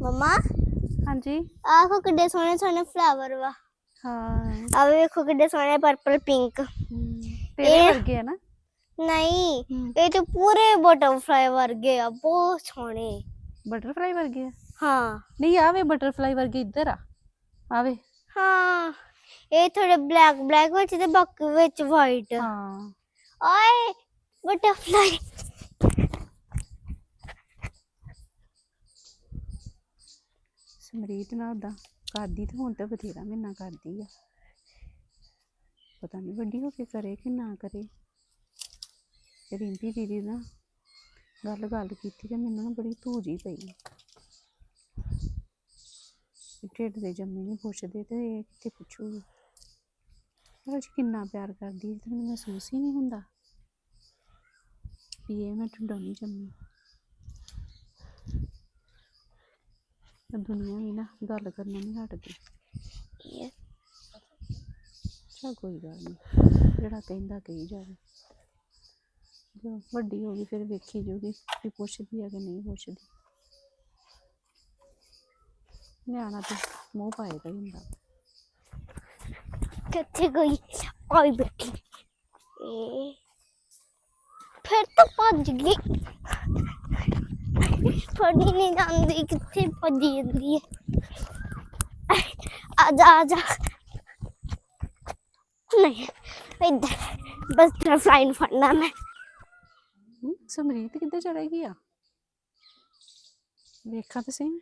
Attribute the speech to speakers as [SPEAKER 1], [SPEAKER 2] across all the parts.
[SPEAKER 1] मम्मा
[SPEAKER 2] हाँ जी
[SPEAKER 1] आखो किड्डे सोने सोने फ्लावर वा
[SPEAKER 2] हाँ
[SPEAKER 1] अब देखो किड्डे सोने पर्पल पिंक
[SPEAKER 2] तेरे वर्गे है ना
[SPEAKER 1] नहीं ये तो पूरे बटरफ्लाई वर्गे आ बहुत सोने
[SPEAKER 2] बटरफ्लाई वर्गे है
[SPEAKER 1] हाँ
[SPEAKER 2] नहीं आवे बटरफ्लाई वर्गे इधर आ आवे
[SPEAKER 1] हाँ ये थोड़े ब्लैक ब्लैक विच ते बाकी विच वाइट
[SPEAKER 2] हाँ
[SPEAKER 1] ओए बटरफ्लाई
[SPEAKER 2] ਸਮਰੀਤ ਨਾਲ ਉਦਾਂ ਕਰਦੀ ਤੇ ਹੁਣ ਤਾਂ ਬਥੇਰਾ ਮਹੀਨਾ ਕਰਦੀ ਆ ਪਤਾ ਨਹੀਂ ਵੱਡੀ ਹੋ ਕੇ ਕਰੇ ਕਿ ਨਾ ਕਰੇ ਰਿੰਪੀ ਦੀਦੀ ਨਾਲ ਗੱਲ ਕੀਤੀ ਤੇ ਮੈਨੂੰ ਨਾ ਬੜੀ ਧੂਜੀ ਪਈ ਢਿੱਡ ਦੇ ਜੰਮੇ ਨਹੀਂ ਪੁੱਛਦੇ ਤੇ ਇਹ ਕਿੱਥੇ ਪੁੱਛੂਗੀ ਪਰ ਅੱਜ ਕਿੰਨਾ ਪਿਆਰ ਕਰਦੀ ਤੇ ਮੈਨੂੰ ਮਹਿਸੂਸ ਹੀ ਨਹੀਂ ਹੁੰਦਾ ਵੀ ਇਹ ਮੈਂ ਢਿੱਡੋਂ ਨਹੀਂ ਜੰਮੀ दुनिया भी ना गल करना नहीं हटती चल कोई गल नहीं जेड़ा कहंदा कही जावे जो वड्डी होगी फिर वेखी जाऊगी कि पुछदी है कि नहीं पुछदी न्याणा तो मूँह पाए दा ही हुंदा
[SPEAKER 1] किथे गई आई बैठी फिर तो भज गई फड़ी नहीं जाती किथे भजी जाती है आजा आजा नहीं इधर बस बटरफ्लाई फड़ना मैं
[SPEAKER 2] समरीत किधर चलेगी आ देखा तो सही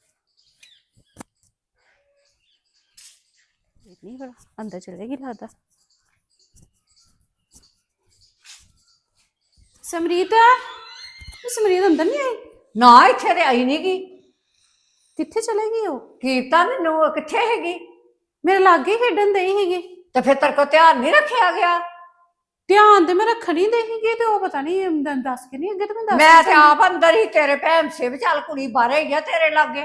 [SPEAKER 2] नहीं बड़ा अंदर चलेगी लगता समरीत समरीत अंदर नहीं आई
[SPEAKER 3] ना इत्थे ते आई नहीं गी
[SPEAKER 2] किथे चलेगी वो
[SPEAKER 3] कीता मैनू कित्थे हैगी
[SPEAKER 2] मेरे लागे खेडन दई हैगी
[SPEAKER 3] ते फिर तेरे को ध्यान नहीं रखा गया
[SPEAKER 2] ध्यान ते मैं रखन ही दई हैगी ते ओ पता नहीं दस के नहीं अगे ते मैं दस
[SPEAKER 3] मैं ते आप अंदर ही तेरे भैन से भी चल कुड़ी बाहर ही है तेरे लागे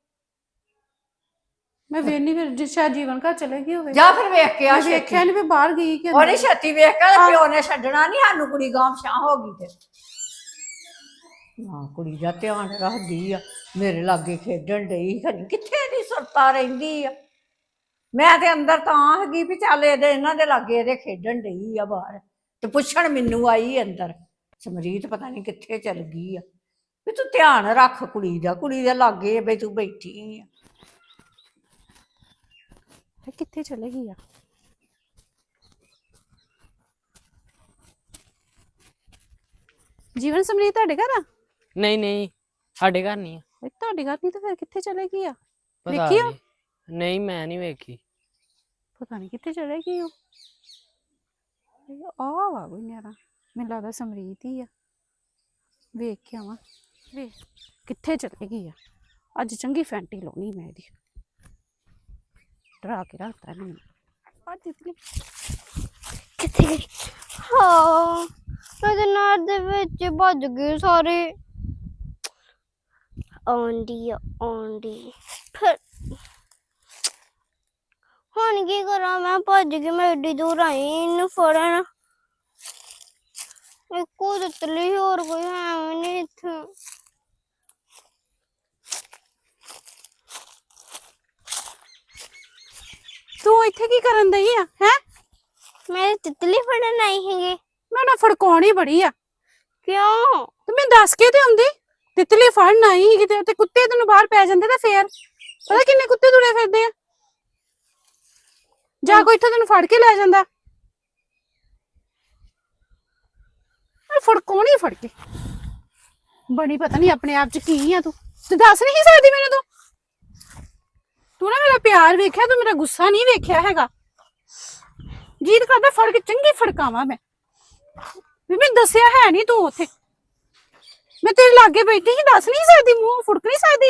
[SPEAKER 2] मैं वेनी फिर शायद जीवन घर चलेगी होवे
[SPEAKER 3] जा फिर वेख के आ
[SPEAKER 2] वेख्या नहीं फिर बाहर गई कि
[SPEAKER 3] ओने छत्ती वेख के प्यो ने छड्डना नहीं सानू कुड़ी गांव शां हो गई ते हाँ कुड़ी दा ध्यान रखदी आ मेरे लागे खेडन डई खनी कित्थे दी सुरता रहिंदी आ मैं ते अंदर तां हैगी भी चल इहदे इन्हां दे लागे इहदे खेडन डई आ बाहर ते पुछण मैनू आई अंदर समरीत पता नहीं कित्थे चल गई आ भी तू ध्यान रख कुड़ी दे लागे बई तू बैठी आ
[SPEAKER 2] कित्थे चलेगी आ जीवन समरीत ਤੁਹਾਡੇ ਘਰ ਆ
[SPEAKER 4] नहीं नहीं साडे घर नहीं है
[SPEAKER 2] ਤੁਹਾਡੇ ਘਰ ਨਹੀਂ ਤਾਂ ਫਿਰ ਕਿੱਥੇ ਚਲੇਗੀ ਆ
[SPEAKER 4] पता
[SPEAKER 2] ਵੇਖੀ ਆ
[SPEAKER 4] नहीं नहीं मैं नहीं वेखी
[SPEAKER 2] ਪਤਾ ਨਹੀਂ ਕਿੱਥੇ ਚਲੇਗੀ ਉਹ ਆ ਵਾ ਕੋਈ ਨਿਆਰਾ ਮੈਨੂੰ ਲੱਗਦਾ ਸਮਰੀਤ ਹੀ ਆ ਵੇਖ ਕੇ ਆਵਾਂ ਵੇ ਕਿੱਥੇ ਚਲੇਗੀ ਆ ਅੱਜ ਚੰਗੀ ਫੈਂਟੀ ਲਾਉਣੀ ਮੈਂ ਇਹਦੀ ਡਰਾ ਕੇ ਰੱਖਤਾ ਇਹਨੂੰ ਅੱਜ ਇਤਨੀ
[SPEAKER 1] किथे गई हाँ मैं नार दे विच भज गए सारे आंडी फिर हुन की करा मैं भज गई मैं एडी दूर आई इन फड़न एको तितली और कोई है नहीं इत्थे
[SPEAKER 2] ਤੂੰ ਇੱਥੇ ਕੀ ਕਰਨ ਦਈ ਆ ਹੈ
[SPEAKER 1] मैं तितली फड़न आई है
[SPEAKER 2] ਮੈਂ ਨਾ ਫੜਕਾਉਣੀ ਬੜੀ ਆ
[SPEAKER 1] क्यों
[SPEAKER 2] ਤੇ ਮੈਂ ਦੱਸ ਕੇ ਤੇ ਆਉਂਦੀ ਤਿਤਲੀ ਫੜਨ ਆਈ ਸੀ ਕਿਤੇ ਤੇ ਕੁੱਤੇ ਤੈਨੂੰ ਬਾਹਰ ਪੈ ਜਾਂਦੇ ਤੇ ਫੇਰ ਪਤਾ ਕਿੰਨੇ ਕੁੱਤੇ ਤੁਰੇ ਫਿਰਦੇ ਆ ਜਾ ਕੋਈ ਇੱਥੋਂ ਤੈਨੂੰ ਫੜ ਕੇ ਲੈ ਜਾਂਦਾ ਫੜਕਾਉਣੀ ਫੜ ਕੇ ਬੜੀ ਪਤਾ ਨਹੀਂ ਆਪਣੇ ਆਪ ਚ ਕੀ ਆ ਤੂੰ ਦੱਸ ਨਹੀਂ ਸਕਦੀ ਮੈਨੂੰ ਤੂੰ ਨਾ ਮੇਰਾ ਪਿਆਰ ਵੇਖਿਆ ਤੂੰ ਮੇਰਾ ਗੁੱਸਾ ਨਹੀਂ ਵੇਖਿਆ ਹੈਗਾ ਜੀਤ ਕਰਦਾ ਫੜ ਕੇ ਚੰਗੀ ਫੜਕਾਵਾਂ ਮੈਂ ਵੀ ਮੈਂ ਦੱਸਿਆ ਹੈ ਨਹੀਂ ਤੂੰ ਉੱਥੇ मैं तेरे लागे बैठी ही दस नहीं सकती मुंह फुड़क नहीं सकती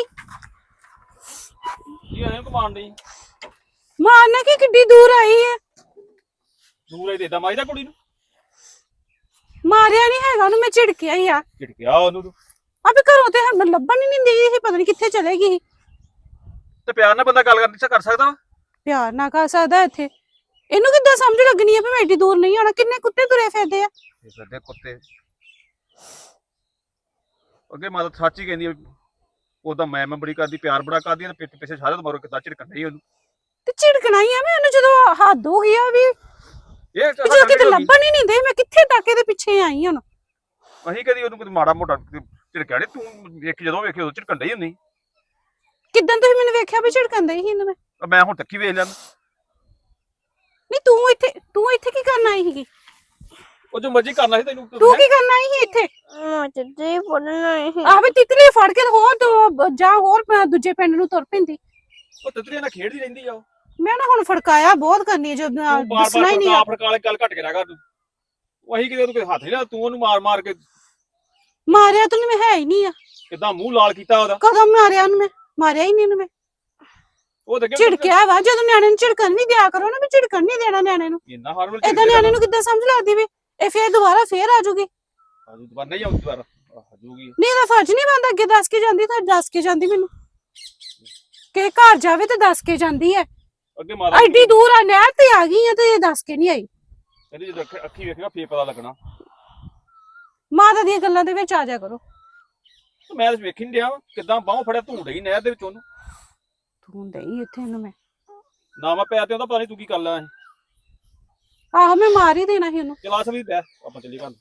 [SPEAKER 2] मारना की किड्डी दूर आई है
[SPEAKER 5] दूर आई देदा माई दा कुड़ी नु
[SPEAKER 2] मारिया नहीं हैगा ओनु मैं झिड़किया ही आ
[SPEAKER 5] झिड़किया ओनु तू
[SPEAKER 2] अबे घरों ते हम लब्बन ही नहीं दी ही पता नहीं किथे चलेगी
[SPEAKER 5] ते प्यार नाल बंदा गल कर सकदा
[SPEAKER 2] प्यार ना कर सकदा इथे इनु किद्दां समझ लगनी है भी मैं एडी दूर नहीं आना किन्ने कुत्ते तुरे फिरदे आ
[SPEAKER 5] फिरदे कुत्ते ਅੱਗੇ ਮਾਤਾ ਸੱਚ ਹੀ ਕਹਿੰਦੀ ਉਹਦਾ ਮੈਂ ਬੜੀ ਕਰਦੀ, ਪਿਆਰ ਬੜਾ ਕਰਦੀ, ਤੇ ਪਿੱਛੇ ਪਿੱਛੇ ਸਾਰੇ ਤੋਂ ਮਰੋ ਕਿੱਦਾਂ ਝਿੜਕਣ ਡਈ ਉਹਨੂੰ।
[SPEAKER 2] ਤੇ ਝਿੜਕਣਾ ਹੀ ਆ ਮੈਂ ਉਹਨੂੰ, ਜਦੋਂ ਹੱਦ ਹੋ ਗਈ ਆ ਵੀ
[SPEAKER 5] ਇਹ
[SPEAKER 2] ਜਦੋਂ ਕਿਤੇ ਲੱਭਣ ਹੀ ਨਹੀਂ ਦੇ, ਮੈਂ ਕਿੱਥੇ ਤੱਕ ਇਹਦੇ ਪਿੱਛੇ ਆਈ ਹੁਣ।
[SPEAKER 5] ਅਸੀਂ ਕਦੀ ਉਹਨੂੰ ਮਾੜਾ ਮੋਟਾ ਝਿੜਕਿਆ ਨੀ, ਤੂੰ ਜਦੋਂ ਵੇਖੇ ਉਦੋਂ ਝਿੜਕਣ ਡਈ ਹੁੰਦੀ।
[SPEAKER 2] ਕਿੱਦਾਂ ਤੁਸੀਂ ਮੈਨੂੰ ਵੇਖਿਆ ਵੀ ਝਿੜਕਣ ਦਈ ਸੀ ਇਹਨੂੰ
[SPEAKER 5] ਮੈਂ ਹੁਣ ਤੱਕੀ ਵੇਖ ਲੈਂਦਾ।
[SPEAKER 2] ਨਹੀਂ ਤੂੰ ਇੱਥੇ ਕੀ ਕਰਨ ਆਈ ਸੀਗੀ?
[SPEAKER 5] ਉਹ ਜੋ ਮਰਜ਼ੀ ਕਰਨਾ ਸੀ ਤੈਨੂੰ।
[SPEAKER 2] ਤੂੰ ਕੀ ਕਰਨ ਆਈ ਸੀ ਇੱਥੇ?
[SPEAKER 1] ਮੈਂ ਤੇ ਪੜਨਾ ਹੀ
[SPEAKER 2] ਆਹ ਵੀ ਤਿਤਲੀ ਫੜ ਕੇ ਹੋਰ ਜਾ ਹੋਰ ਦੂਜੇ ਪਿੰਡ ਨੂੰ ਤੁਰ ਪੈਂਦੀ।
[SPEAKER 5] ਉਹ ਤਿਤਲੀਆਂ ਨਾਲ ਖੇਡਦੀ ਰਹਿੰਦੀ ਆ ਉਹ।
[SPEAKER 2] ਮੈਂ ਨਾ ਹੁਣ ਫੜਕਾਇਆ ਬਹੁਤ ਕਰਨੀ ਹੈ, ਜੋ ਦੱਸਣਾ ਹੀ ਨਹੀਂ ਆ।
[SPEAKER 5] ਫੜਕਾ ਵਾਲੇ ਗੱਲ ਘੱਟ ਕੇ ਰਹਿ ਕਰ ਤੂੰ। ਉਹ ਅਸੀਂ ਕਿਤੇ ਉਹਨੂੰ ਕੋਈ ਹੱਥ ਨਹੀਂ ਲਾ, ਤੂੰ ਉਹਨੂੰ ਮਾਰ ਕੇ
[SPEAKER 2] ਮਾਰਿਆ ਤੂੰ ਮੈਂ ਹੈ ਹੀ ਨਹੀਂ ਆ।
[SPEAKER 5] ਕਿੱਦਾਂ ਮੂੰਹ ਲਾਲ ਕੀਤਾ ਉਹਦਾ।
[SPEAKER 2] ਕਦੋਂ ਮਾਰਿਆ ਉਹਨੂੰ? ਮੈਂ ਮਾਰਿਆ ਹੀ ਨਹੀਂ ਉਹਨੂੰ। ਮੈਂ
[SPEAKER 5] ਉਹ ਤਾਂ
[SPEAKER 2] ਝਿੜਕਿਆ ਵਾ, ਜਦੋਂ ਨਿਆਣੇ ਨੂੰ ਝਿੜਕਣ ਵੀ ਦਿਆ ਕਰੋ ਨਾ, ਵੀ ਝਿੜਕਣ ਨਹੀਂ ਦੇਣਾ ਨਿਆਣੇ ਨੂੰ।
[SPEAKER 5] ਇੰਨਾ ਹਾਰਮਲ
[SPEAKER 2] ਏਦਾਂ ਨਿਆਣੇ ਨੂੰ ਕਿੱਦਾਂ ਸਮਝ ਲੱਗਦੀ ਵੀ ਇਹ ਫੇਰ ਦੁਬਾਰਾ ਆ ਜਾਊਗੀ?
[SPEAKER 5] ਦੁਬਾਰਾ ਨਹੀਂ ਆਉਂਦੀ, ਦੁਬਾਰਾ ਆ ਜਾਊਗੀ।
[SPEAKER 2] ਨਹੀਂ ਇਹਦਾ ਫਰਜ਼ ਨਹੀਂ ਬਣਦਾ, ਅੱਗੇ ਦੱਸ ਕੇ ਜਾਂਦੀ ਤਾਂ ਦੱਸ ਕੇ ਜਾਂਦੀ ਮੈਨੂੰ ਕਿ ਘਰ ਜਾਵੇ ਤੇ ਦੱਸ ਕੇ ਜਾਂਦੀ ਹੈ।
[SPEAKER 5] ਅੱਗੇ ਮਾਰਾ
[SPEAKER 2] ਐਡੀ ਦੂਰ ਆ, ਨਹਿਰ ਤੇ ਆ ਗਈ ਆ ਤੇ ਇਹ ਦੱਸ ਕੇ ਨਹੀਂ ਆਈ।
[SPEAKER 5] ਇਹਦੀ ਜਦੋਂ ਅੱਖੀ ਵੇਖੇਗਾ ਫੇਰ ਪਤਾ ਲੱਗਣਾ।
[SPEAKER 2] ਮਾਤਾ ਦੀਆਂ ਗੱਲਾਂ ਦੇ ਵਿੱਚ ਆ ਜਾ ਕਰੋ।
[SPEAKER 5] ਮੈਂ ਤਾਂ ਵੇਖ ਹੀ ਨਹੀਂ ਡਿਆ ਕਿੱਦਾਂ ਬਾਹੋਂ ਫੜਿਆ ਧੂੜ ਹੀ ਨਹਿਰ ਦੇ ਵਿੱਚ ਉਹਨੂੰ।
[SPEAKER 2] ਤੂੰ ਡਈ ਇੱਥੇ ਇਹਨੂੰ ਮੈਂ
[SPEAKER 5] ਨਾ ਮੈਂ ਪਿਆ ਤੇ ਉਹਦਾ ਪਤਾ ਨਹੀਂ ਤੂੰ ਕੀ ਕਰ ਲਿਆ।
[SPEAKER 2] ਆਹੋ ਮੈਂ ਮਾਰ ਹੀ ਦੇਣਾ ਸੀ ਉਹਨੂੰ।
[SPEAKER 5] ਚਲਾ ਸਭੀ ਬੈ ਆਪਾਂ ਚੱਲੀਏ ਘਰ।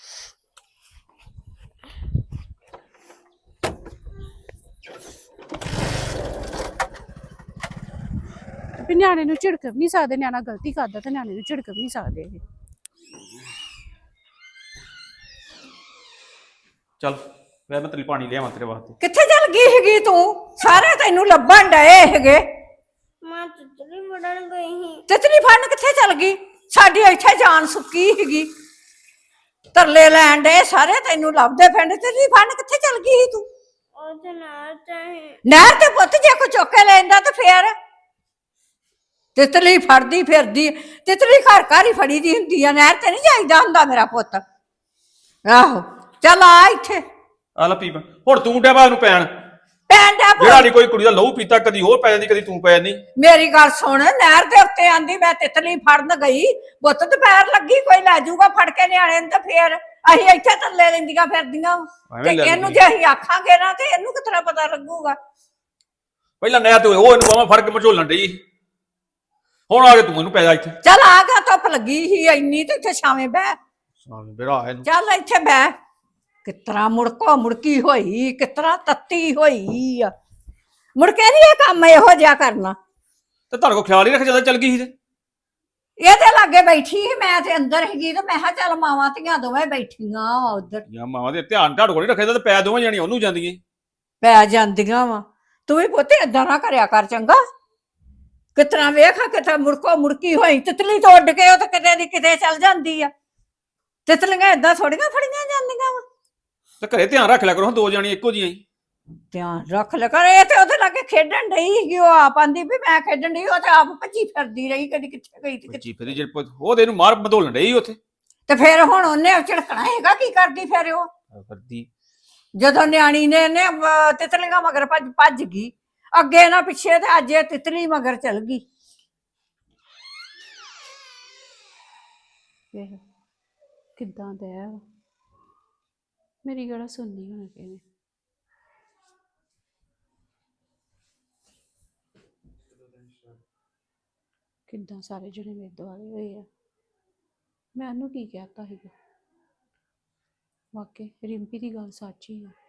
[SPEAKER 2] ਵੀ ਨਿਆਣੇ ਨੂੰ ਝਿੜਕ ਵੀ ਨਹੀਂ ਸਕਦੇ, ਨਿਆਣਾ ਗਲਤੀ ਕਰਦਾ ਤੇ ਨਿਆਣੇ ਨੂੰ ਝਿੜਕ ਵੀ ਨਹੀਂ ਸਕਦੇ ਇਹ।
[SPEAKER 5] ਚੱਲ ਮੈਂ ਤੇਰੀ ਪਾਣੀ ਲਿਆਵਾਂ ਤੇਰੇ ਵਾਸਤੇ।
[SPEAKER 3] ਕਿੱਥੇ ਚੱਲ ਗਈ ਹੈਗੀ ਤੂੰ? ਸਾਰੇ ਤੈਨੂੰ ਲੱਭਣ ਡਏ ਹੈਗੇ।
[SPEAKER 1] ਮੈਂ ਤਿਤਲੀ ਫੜਨ ਗਈ ਸੀ।
[SPEAKER 3] ਤਿਤਲੀ ਫੜਨ ਕਿੱਥੇ ਚੱਲ ਗਈ? ਸਾਡੀ ਇੱਥੇ ਜਾਨ ਸੁੱਕੀ ਹੈਗੀ, ਤਰਲੇ ਲੈਣ ਡਏ ਸਾਰੇ ਤੈਨੂੰ ਲੱਭਦੇ ਫਿਰਦੇ। ਤਿਤਲੀ ਫੜਨ ਕਿੱਥੇ ਚੱਲ ਗਈ ਸੀ ਤੂੰ?
[SPEAKER 1] ਉਹ ਤੇ ਨਾਲ ਚਾਹੇ
[SPEAKER 3] ਨਹਿਰ ਤੇ ਪੁੱਤ ਜੇ ਕੋ ਚੁੱਕ ਕੇ ਲੈਂਦਾ ਤੇ ਫੇਰ ਤਿਤਲੀ ਫੜਦੀ ਫਿਰਦੀ। ਤਿਤਲੀ ਘਰ ਘਰ ਹੀ ਫੜੀ ਦੀ ਹੁੰਦੀ ਆ, ਨਹਿਰ ਤੇ ਨਹੀਂ ਜਾਈਦਾ ਹੁੰਦਾ ਮੇਰਾ ਪੁੱਤ। ਆਹੋ ਚੱਲ ਆ ਇੱਥੇ।
[SPEAKER 5] ਆ ਲੈ ਪੀ ਹੁਣ ਤੂੰ ਡਿਆ ਉਹਨੂੰ ਪੈਣ।
[SPEAKER 3] ਪੈਣ ਡਿਆ
[SPEAKER 5] ਜਿਹੜਾ ਨਹੀਂ ਕੋਈ ਕੁੜੀ ਦਾ ਲਹੂ ਪੀਤਾ, ਕਦੀ ਉਹ ਪੈ ਜਾਂਦੀ ਕਦੀ ਤੂੰ ਪੈ ਜਾਂਦੀ।
[SPEAKER 3] ਮੇਰੀ ਗੱਲ ਸੁਣ, ਨਹਿਰ ਦੇ ਉੱਤੇ ਆਂਦੀ ਮੈਂ ਤਿਤਲੀ ਫੜਨ ਗਈ, ਬੁੱਤ ਦੁਪਹਿਰ ਲੱਗੀ, ਕੋਈ ਲੈ ਜਾਊਗਾ ਫੜ ਕੇ ਨਿਆਣੇ ਨੂੰ ਤੇ ਫੇਰ ਅਸੀਂ ਇੱਥੇ ਥੱਲੇ ਲੈਂਦੀਆਂ ਫਿਰਦੀਆਂ। ਤੇ ਇਹਨੂੰ ਜੇ ਅਸੀਂ ਆਖਾਂਗੇ ਨਾ ਤੇ ਇਹਨੂੰ ਕਿਤਨਾ ਪਤਾ ਲੱਗੂਗਾ?
[SPEAKER 5] ਪਹਿਲਾਂ ਨਹਿਰ ਤੇ ਉਹ ਇਹਨੂੰ ਬਾਹਾਂ ਫੜ ਕੇ ਮਝੋਲਣ ਡਈ, ਹੁਣ ਆ ਕੇ ਤੂੰ ਇਹਨੂੰ ਪੈ ਜਾ ਇੱਥੇ।
[SPEAKER 3] ਚੱਲ ਆ ਗਿਆ, ਧੁੱਪ ਲੱਗੀ ਸੀ ਇੰਨੀ ਤੇ ਇੱਥੇ ਛਾਵੇਂ ਬਹਿ।
[SPEAKER 5] ਮੇਰਾ ਇਹਨੂੰ
[SPEAKER 3] ਚੱਲ ਇੱਥੇ ਬਹਿ। ਕਿਤਰਾ ਮੁੜਕੋ ਮੁੜਕੀ ਹੋਈ, ਕਿਤਰਾ ਤੱਤੀ ਹੋਈ ਆ। ਮੁੜਕੇ ਨੀ ਇਹ ਕੰਮ ਇਹੋ ਜਿਹਾ ਕਰਨਾ।
[SPEAKER 5] ਤੇ ਤੁਹਾਡੇ ਕੋਲ ਖਿਆਲ ਹੀ ਰੱਖ ਜਦੋਂ ਚੱਲ ਗਈ ਸੀ ਤੇ।
[SPEAKER 3] ਇਹਦੇ ਲਾਗੇ ਬੈਠੀ ਸੀ, ਮੈਂ ਤੇ ਅੰਦਰ ਹੈਗੀ ਤੇ ਮੈਂ ਕਿਹਾ ਚੱਲ ਮਾਵਾਂ ਧੀਆਂ ਦੋਵੇਂ ਬੈਠੀਆਂ ਵਾ ਉਧਰ।
[SPEAKER 5] ਜਾਂ ਮਾਵਾਂ ਦੇ ਧਿਆਨ ਤੁਹਾਡੇ ਕੋਲ ਨਹੀਂ ਰੱਖਿਆ ਤੇ ਪੈ ਦੋਵੇਂ ਜਾਣੀਆਂ ਉਹਨੂੰ ਜਾਂਦੀਆਂ।
[SPEAKER 3] ਪੈ ਜਾਂਦੀਆਂ ਵਾ। ਤੂੰ ਵੀ ਪੁੱਤ ਏਦਾਂ ਨਾ ਕਰਿਆ ਕਰ ਚੰਗਾ। ਕਿਤਨਾ ਵੇਖ ਕਿਤੇ ਮੁੜਕੋ ਮੁੜਕੀ ਹੋਈ। ਤਿਤਲੀ ਤੋਂ ਉੱਡ ਕੇ ਉਹ ਤਾਂ ਕਿਤੇ ਦੀ ਕਿਤੇ ਚੱਲ ਜਾਂਦੀ ਆ। ਤਿਤਲੀਆਂ ਏਦਾਂ ਥੋੜੀਆਂ ਫੜੀਆਂ ਜਾਂਦੀਆਂ ਵਾ।
[SPEAKER 5] ਤੇ ਘਰੇ ਧਿਆਨ ਰੱਖ ਲਿਆ ਕਰੋ, ਹੁਣ ਦੋ ਜਾਣੀਆਂ ਇੱਕੋ ਜਿਹੀਆਂ ਹੀ।
[SPEAKER 3] ਧਿਆਨ ਰੱਖ ਲੈ ਕਰ। ਇਹ ਤੇ ਉਹਦੇ ਲਾਗੇ ਖੇਡਣ ਡਈ ਸੀਗੀ, ਉਹ ਆਪ ਆਂਦੀ ਵੀ ਮੈਂ ਖੇਡਣ ਡਈ, ਉਹ ਤੇ ਆਪ ਭੱਜੀ ਫਿਰਦੀ ਰਹੀ, ਕਦੀ ਕਿੱਥੇ ਗਈ ਤੇ ਕਿੱਥੇ।
[SPEAKER 5] ਜੀ ਫਿਰ ਜੇ ਉਹ ਤੇ ਇਹਨੂੰ ਮਾਰ ਬਦੋਲਣ ਡਈ ਉੱਥੇ
[SPEAKER 3] ਤੇ ਫਿਰ ਹੁਣ ਉਹਨੇ ਝਿੜਕਣਾ ਹੈਗਾ, ਕੀ ਕਰਦੀ ਫਿਰ ਉਹ?
[SPEAKER 5] ਕਰਦੀ
[SPEAKER 3] ਜਦੋਂ ਨਿਆਣੀ ਨੇ ਤਿਤਲੀਆਂ ਮਗਰ ਭੱਜ ਗਈ, ਅੱਗੇ ਨਾ ਪਿੱਛੇ, ਤੇ ਅੱਜ ਇਹ ਤਿਤਲੀ ਮਗਰ ਚਲ ਗਈ।
[SPEAKER 2] ਕਿੱਦਾਂ ਦਾ ਹੈ ਮੇਰੀ ਗੱਲ ਸੁਣਨੀ ਹੁਣ ਕਿਵੇਂ? ਕਿੱਦਾਂ ਸਾਰੇ ਜਣੇ ਮੇਰੇ ਦੁਆਲੇ ਹੋਏ ਆ। ਮੈਂ ਉਹਨੂੰ ਕੀ ਕਹਿਤਾ ਸੀਗਾ? ਵਾਕਈ ਰਿੰਪੀ ਦੀ ਗੱਲ ਸੱਚ ਹੀ ਆ।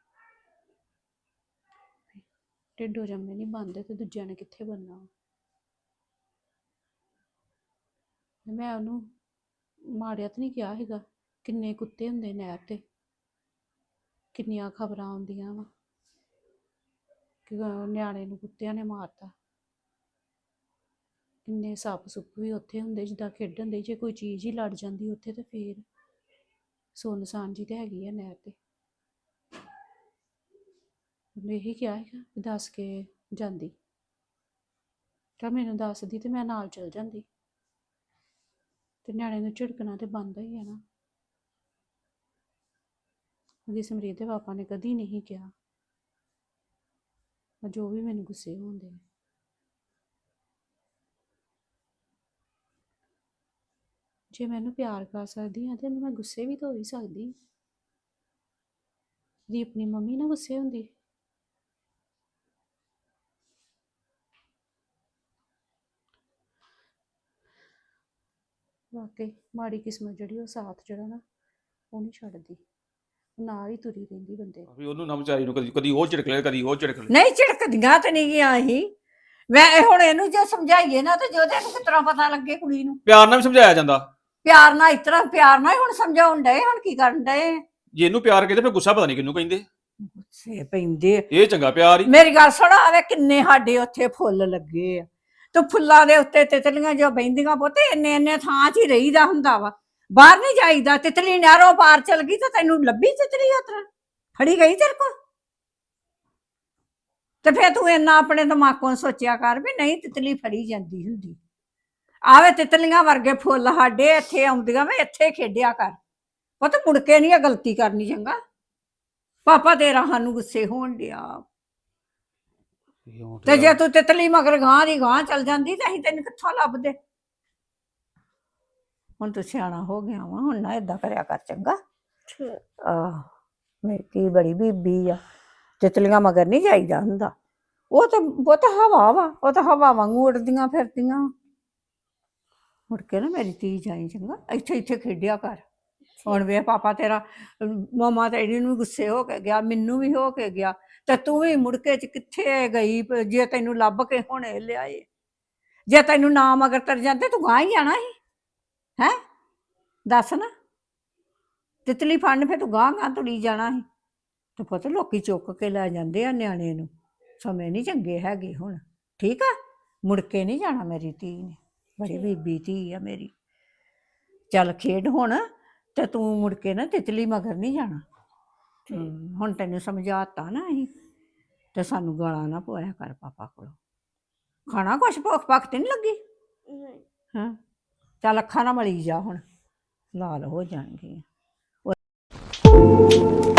[SPEAKER 2] ਢਿੱਡੋਂ ਜੰਮੇ ਨਹੀਂ ਬਣਦੇ ਤੇ ਦੂਜਿਆਂ ਨੇ ਕਿੱਥੇ ਬਣਨਾ। ਮੈਂ ਉਹਨੂੰ ਮਾੜਿਆ ਤਾਂ ਨਹੀਂ ਕਿਹਾ ਹੈਗਾ। ਕਿੰਨੇ ਕੁੱਤੇ ਹੁੰਦੇ ਨਹਿਰ ਤੇ, ਕਿੰਨੀਆਂ ਖਬਰਾਂ ਆਉਂਦੀਆਂ ਵਾ ਕਿ ਨਿਆਣੇ ਨੂੰ ਕੁੱਤਿਆਂ ਨੇ ਮਾਰਤਾ। ਕਿੰਨੇ ਸੱਪ ਸੁੱਪ ਵੀ ਉੱਥੇ ਹੁੰਦੇ ਜਿੱਦਾਂ ਖੇਡਣ ਦੇ। ਜੇ ਕੋਈ ਚੀਜ਼ ਹੀ ਲੜ ਜਾਂਦੀ ਉੱਥੇ ਤੇ ਫੇਰ ਸੁੰਨਸਾਨ ਜੀ ਤੇ ਹੈਗੀ ਆ ਨਹਿਰ ਤੇ। ਉਹਨੇ ਇਹੀ ਕਿਹਾ ਹੈਗਾ ਵੀ ਦੱਸ ਕੇ ਜਾਂਦੀ, ਤਾਂ ਮੈਨੂੰ ਦੱਸਦੀ ਤੇ ਮੈਂ ਨਾਲ ਚਲ ਜਾਂਦੀ ਤੇ ਨਿਆਣੇ ਨੂੰ ਝਿੜਕਣਾ ਤੇ ਬਣਦਾ ਹੀ ਹੈ ਨਾ। ਉਹਦੀ ਸਮਰੀਤ ਦੇ ਪਾਪਾ ਨੇ ਕਦੀ ਨਹੀਂ ਕਿਹਾ, ਜੋ ਵੀ ਮੈਨੂੰ ਗੁੱਸੇ ਹੁੰਦੇ ਨੇ। ਜੇ ਮੈਨੂੰ ਪਿਆਰ ਕਰ ਸਕਦੀ ਹਾਂ ਤੇ ਮੈਂ ਗੁੱਸੇ ਵੀ ਤਾਂ ਹੋ ਹੀ ਸਕਦੀ। ਦੀ ਆਪਣੀ ਮੰਮੀ ਨਾਲ ਗੁੱਸੇ ਹੁੰਦੀ ਵਾਕਈ ਮਾੜੀ ਕਿਸਮਤ ਜਿਹੜੀ ਉਹ ਸਾਥ ਜਿਹੜਾ ਨਾ ਉਹ ਨਹੀਂ ਛੱਡਦੀ, ਨਾਲ ਹੀ ਤੁਰੀ ਰਹਿੰਦੀ ਬੰਦੇ
[SPEAKER 5] ਵੀ ਉਹਨੂੰ ਨਾ ਵਿਚਾਰੀ ਨੂੰ ਕਦੀ ਕਦੀ ਉਹ ਝਿੜਕ ਲੈ ਕਦੀ ਉਹ ਝਿੜਕ ਲੈ।
[SPEAKER 3] ਨਹੀਂ ਝਿੜਕਦੀਆਂ ਤੇ ਨਹੀਂ ਗਿਆ ਸੀ ਮੈਂ ਹੁਣ ਇਹਨੂੰ ਜੇ ਸਮਝਾਈਏ ਨਾ ਤੇ ਜੋਦੇ ਨੂੰ ਕਿਸ ਤਰ੍ਹਾਂ ਪਤਾ ਲੱਗੇ ਕੁੜੀ ਨੂੰ।
[SPEAKER 5] ਪਿਆਰ ਨਾਲ ਵੀ ਸਮਝਾਇਆ ਜਾਂਦਾ।
[SPEAKER 3] ਪਿਆਰ ਨਾਲ ਇਸ ਤਰ੍ਹਾਂ ਪਿਆਰ ਨਾਲ ਹੀ ਹੁਣ ਸਮਝਾਉਣ ਡਏ, ਹੁਣ ਕੀ ਕਰਨ ਡਏ?
[SPEAKER 5] ਜੇ ਇਹਨੂੰ ਪਿਆਰ ਕਹਿੰਦੇ ਫਿਰ ਗੁੱਸਾ ਪਤਾ ਨਹੀਂ ਕਿਹਨੂੰ ਕਹਿੰਦੇ।
[SPEAKER 3] ਗੁੱਸੇ ਪੈਂਦੇ।
[SPEAKER 5] ਇਹ ਚੰਗਾ ਪਿਆਰ ਹੀ।
[SPEAKER 3] ਮੇਰੀ ਗੱਲ ਸੁਣ, ਆਵੇ ਕਿੰਨੇ ਸਾਡੇ ਉੱਥੇ ਫੁੱਲ ਲੱਗੇ ਆ ਤੇ ਫੁੱਲਾਂ ਦੇ ਉੱਤੇ ਤਿਤਲੀਆਂ ਜੋ ਬਹਿੰਦੀਆਂ ਪੁੱਤ ਇੰਨੇ ਇੰਨੇ ਥਾਂ 'ਚ ਹੀ ਰਹੀਦਾ ਹੁੰਦਾ ਵਾ, ਬਾਹਰ ਨਹੀਂ ਜਾਈਦਾ। ਤਿਤਲੀ ਨਹਿਰੋਂ ਪਾਰ ਚਲ ਗਈ ਤੇ ਤੈਨੂੰ ਲੱਭੀ ਤਿਤਲੀ ਉਤਰ ਫੜੀ ਗਈ ਤੇਰੇ ਕੋਲ? ਤੇ ਫੇਰ ਤੂੰ ਇੰਨਾ ਆਪਣੇ ਦਿਮਾਗੋਂ ਸੋਚਿਆ ਕਰ ਵੀ ਨਹੀਂ ਤਿਤਲੀ ਫੜੀ ਜਾਂਦੀ ਹੁੰਦੀ। ਆਵੇ ਤਿਤਲੀਆਂ ਵਰਗੇ ਫੁੱਲ ਸਾਡੇ ਇੱਥੇ ਆਉਂਦੀਆਂ ਵੇ, ਇੱਥੇ ਖੇਡਿਆ ਕਰ ਪੁੱਤ, ਮੁੜ ਕੇ ਨਹੀਂ ਇਹ ਗਲਤੀ ਕਰਨੀ। ਚੰਗਾ ਪਾਪਾ ਤੇਰਾ ਸਾਨੂੰ ਗੁੱਸੇ ਹੋਣ ਡਿਆ, ਤੇ ਜੇ ਤੂੰ ਤਿਤਲੀ ਮਗਰ ਗਾਂ ਦੀ ਗਾਂ ਚਲ ਜਾਂਦੀ ਤੇ ਅਸੀਂ ਤੈਨੂੰ ਕਿੱਥੋਂ ਲੱਭਦੇ? ਹੁਣ ਤੂੰ ਸਿਆਣਾ ਹੋ ਗਿਆ ਵਾ, ਹੁਣ ਨਾ ਏਦਾਂ ਕਰਿਆ ਕਰ ਚੰਗਾ। ਆਹ ਮੇਰੀ ਧੀ ਬੜੀ ਬੀਬੀ ਆ, ਤਿਤਲੀਆਂ ਮਗਰ ਨਹੀਂ ਜਾਈਦਾ ਹੁੰਦਾ। ਉਹ ਤਾਂ ਹਵਾ ਵਾ, ਉਹ ਤਾਂ ਹਵਾ ਵਾਂਗੂ ਉੱਡਦੀਆਂ ਫਿਰਦੀਆਂ। ਮੁੜ ਕੇ ਨਾ ਮੇਰੀ ਧੀ ਜਾਈ ਚੰਗਾ, ਇੱਥੇ ਇੱਥੇ ਖੇਡਿਆ ਕਰ। ਹੁਣ ਵੇ ਪਾਪਾ ਤੇਰਾ ਮਾਮਾ ਤੇਰੀ ਨੂੰ ਗੁੱਸੇ ਹੋ ਕੇ ਗਿਆ, ਮੈਨੂੰ ਵੀ ਹੋ ਕੇ ਗਿਆ, ਤੇ ਤੂੰ ਵੀ ਮੁੜ ਕੇ ਕਿੱਥੇ ਗਈ? ਜੇ ਤੈਨੂੰ ਲੱਭ ਕੇ ਹੁਣੇ ਲਿਆਏ, ਜੇ ਤੈਨੂੰ ਨਾ ਮਗਰ ਤਰ ਜਾਂਦੇ ਤੂੰ ਗਾਂ ਹੀ ਜਾਣਾ ਸੀ। ਹੈ ਦੱਸ ਨਾ, ਤਿਤਲੀ ਫੜਨ ਫਿਰ ਤੂੰ ਗਾਂ ਗਾਂ ਤੁਰੀ ਜਾਣਾ ਸੀ। ਤੇ ਪੁੱਤ ਲੋਕੀ ਚੁੱਕ ਕੇ ਲੈ ਜਾਂਦੇ ਆ ਨਿਆਣੇ ਨੂੰ, ਸਮੇਂ ਨਹੀਂ ਚੰਗੇ ਹੈਗੇ ਹੁਣ। ਠੀਕ ਆ, ਮੁੜ ਕੇ ਨਹੀਂ ਜਾਣਾ ਮੇਰੀ ਧੀ ਨੇ, ਬੜੀ ਬੀਬੀ ਧੀ ਆ ਮੇਰੀ। ਚੱਲ ਖੇਡ ਹੁਣ, ਤੇ ਤੂੰ ਮੁੜ ਕੇ ਨਾ ਤਿਤਲੀ ਮਗਰ ਨਹੀਂ ਜਾਣਾ। ਹੁਣ ਤੈਨੂੰ ਸਮਝਾਤਾ ਨਾ ਅਸੀਂ, ਤੇ ਸਾਨੂੰ ਗਾਲਾਂ ਨਾ ਪਵਾਇਆ ਕਰ ਪਾਪਾ ਕੋਲੋਂ। ਖਾਣਾ ਕੁਛ ਭੁੱਖ ਭੱਖ ਤੇ ਨਹੀਂ ਲੱਗੀ? ਹਾਂ ਚੱਲ ਅੱਖਾਂ ਨਾ ਮਲੀ ਜਾ, ਹੁਣ ਲਾਲ ਹੋ ਜਾਣਗੀਆਂ।